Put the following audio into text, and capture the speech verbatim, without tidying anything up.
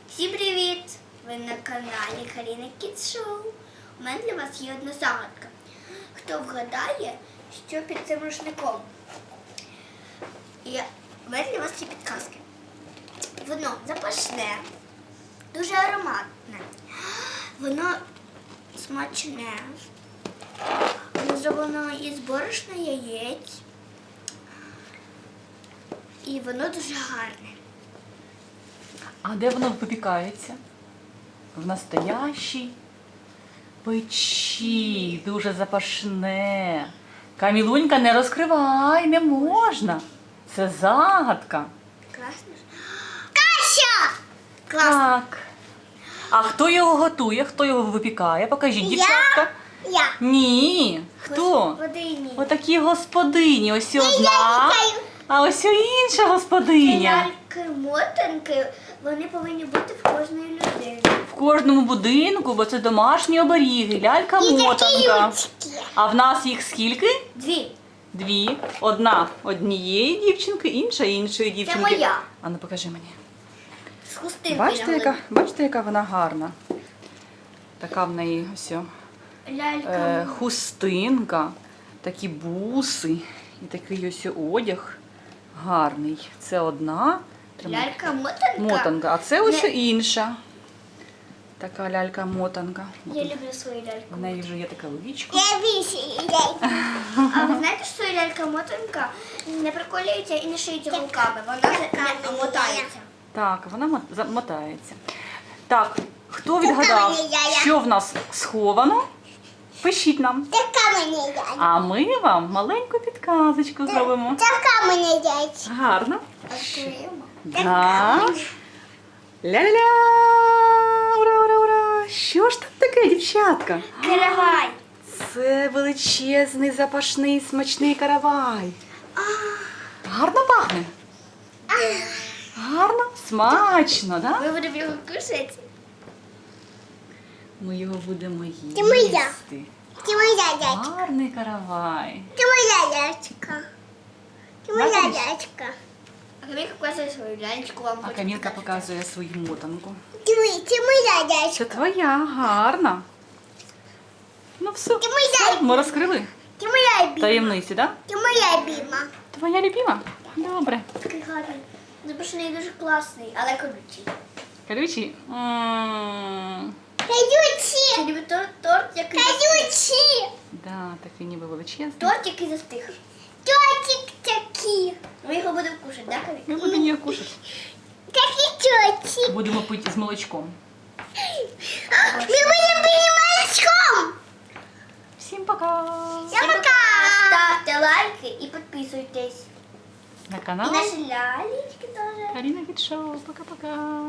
Всім привіт! Ви на каналі Каріна Кідс Шоу. У мене для вас є одна загадка. Хто вгадає, що під цим рушником? І у мене для вас є підказки. Воно запашне, дуже ароматне, воно смачне, воно зроблено із борошна яєць і воно дуже гарне. А де воно випікається? В настоящій печі, дуже запашне. Камілунька, не розкривай, не можна. Це загадка. Класно ж. Каша! Класно. Так. А хто його готує? Хто його випікає? Покажіть, дівчатка. Я. Ні. Хто? Господині. Отакі господині. Ось одна, а ось інша господиня. Ляльки-мотанки, вони повинні бути в кожної людини. В кожному будинку, бо це домашні оберіги, лялька-мотанка. А в нас їх скільки? Дві. Дві. Одна однієї дівчинки, інша іншої дівчинки. моя. А ну покажи мені. З хустинкою. Бачите, на яка, голові. бачите, яка вона гарна? Така в неї ось о, Лялька. е, хустинка, такі буси і такий ось одяг гарний. Це одна Лялька-мотанка. мотанка, а це ось Не- інша. Така лялька-мотанка. Я люблю свою ляльку. В неї вже є така личко. Я більше лялька. А ви знаєте, що лялька-мотанка не приколюється і не шиється руками. Вона не мотається. Так, вона мо- замотається. Так, хто відгадав, що в нас сховано? Пишіть нам. Така мені лялька. А ми вам маленьку підказочку зробимо. Така мені лялька. Гарно. Відкриємо. Так. Ля-ля-ля! Ура, ура, ура! Що ж там таке, дівчатка? Каравай. Це величезний, запашний, смачний каравай. Гарно пахне? Гарно? Смачно, так? Да? Ми будемо його кушати. Ми його будемо їсти. моя. Це моя лялька. Гарний каравай. Це моя лялька. Це моя лялька. А Камілка показує свою ляльку вам. А Камілка показує свою мотанку. Це моя лялька. Це твоя, гарна. Ну все, Це моя все, ми розкрили Це моя любима. таємниці, так? Це моя любима. Твоя любима? Добре. Такий гарний. Запашний дуже класний, але колючий. Колючий? М, Колючий. Це ніби торт, торт який колючий. Да, такий ніби величезний. Торт, який застиг. Тортик такий. Ми його будемо кушати, так, Камілка? Ми будемо її кушати. Такий тортик. Будемо пити з молочком. Ми будемо пити молочком. Всім пока! Пока. Ставте лайки і підписуйтесь. На І канал наші лялечки теж. Каріна Кідс Шоу. Пока-пока.